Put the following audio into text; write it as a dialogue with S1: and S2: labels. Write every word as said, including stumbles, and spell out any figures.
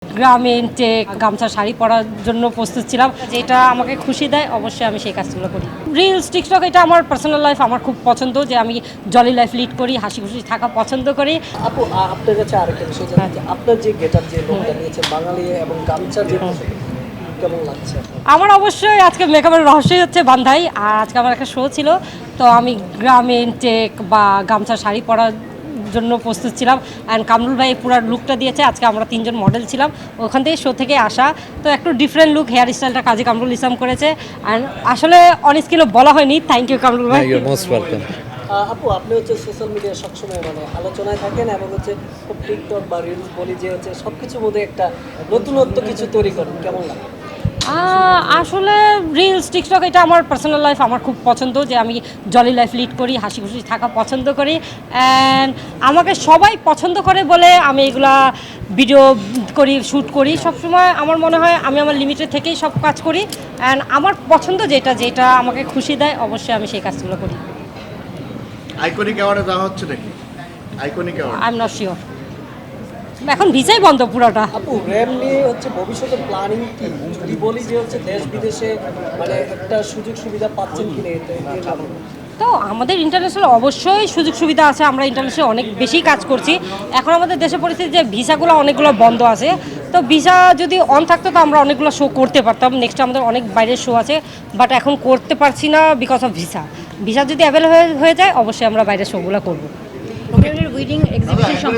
S1: গ্রামে টেক গামছা শাড়ি পরার জন্য প্রস্তুত ছিলাম, যেটা আমাকে খুশি দেয় অবশ্যই আমি সেই কাজগুলো করি। রিলস টিকটক এটা আমার পার্সোনাল লাইফ, আমার খুব পছন্দ যে আমি জলি লাইফ লিড করি, হাসি খুশি থাকা পছন্দ করি।
S2: আপু আ- আপনার কাছে আরেকটা বিষয় জানতে চাই, আপনার যে গেটআপ যে লোকটা নিয়েছে বাঙালি এবং গামছার যে পোশাক, কেমন লাগছে আপনার?
S1: আমার অবশ্যই আজকে মেকআপের রহস্যই হচ্ছে বান্ধাই, আর আজকে আমার একটা শো ছিল, তো আমি গ্রামে টেক বা গামছা শাড়ি পরার জন্য প্রস্তুত ছিলাম। অ্যান্ড কামরুল ভাই পুরো লুকটা দিয়েছে। আজকে আমরা তিনজন মডেল ছিলাম, ওখান থেকে শো থেকে আসা, তো একটু ডিফারেন্ট লুক, হেয়ার স্টাইলটা কাজী কামরুল ইসলাম করেছে। অ্যান্ড আসলে অন স্কিলও বলা হয়নি, থ্যাংক ইউ কামরুল ভাই।
S3: You most welcome.
S2: আ, আপু আপনি হচ্ছে সোশ্যাল মিডিয়া সবসময় মানে আলোচনায় থাকেন এবং হচ্ছে টিকটক বা রিলস বলি যে হচ্ছে সব কিছুর মধ্যে একটা নতুনত্ব কিছু তৈরি করেন, কেমন লাগে?
S1: আহ, আসলে রিলস টিকটক এটা আমার পার্সোনাল লাইফ, আমার খুব পছন্দ যে আমি জলি লাইফ লিড করি, হাসি খুশি থাকা পছন্দ করি। অ্যান্ড আমাকে সবাই পছন্দ করে বলে আমি এগুলা ভিডিও করি, শ্যুট করি। সবসময় আমার মনে হয় আমি আমার লিমিটের থেকেই সব কাজ করি। অ্যান্ড আমার পছন্দ যেটা যেটা আমাকে খুশি দেয় অবশ্যই আমি সেই কাজগুলো করি।
S4: আইকনিক অ্যাওয়ার্ডে দেওয়া হচ্ছে নাকি? Iconic award
S1: I am not sure, এখন ভিসাই বন্ধ পুরোটা।
S2: আপু র্যাম নিয়ে হচ্ছে ভবিষ্যতে প্ল্যানিং কি, যদি বলি যে হচ্ছে দেশ বিদেশে মানে একটা সুযোগ সুবিধা পাচ্ছেন কিনা এটা এর কারণে?
S1: তো আমাদের ইন্টারন্যাশনাল অবশ্যই সুযোগ সুবিধা আছে, আমরা ইন্টারন্যাশনাল অনেক বেশি কাজ করছি। এখন আমাদের দেশের পরিস্থিতি যে ভিসাগুলো অনেকগুলো বন্ধ আছে, তো ভিসা যদি অন থাকতো তো আমরা অনেকগুলো শো করতে পারতাম। নেক্সট আমাদের অনেক বাইরের শো আছে, বাট এখন করতে পারছি না বিকজ অফ ভিসা। ভিসা যদি অ্যাভেলেবল হয়ে যায় অবশ্যই আমরা বাইরের শোগুলো করবো।
S5: Weeding exhibition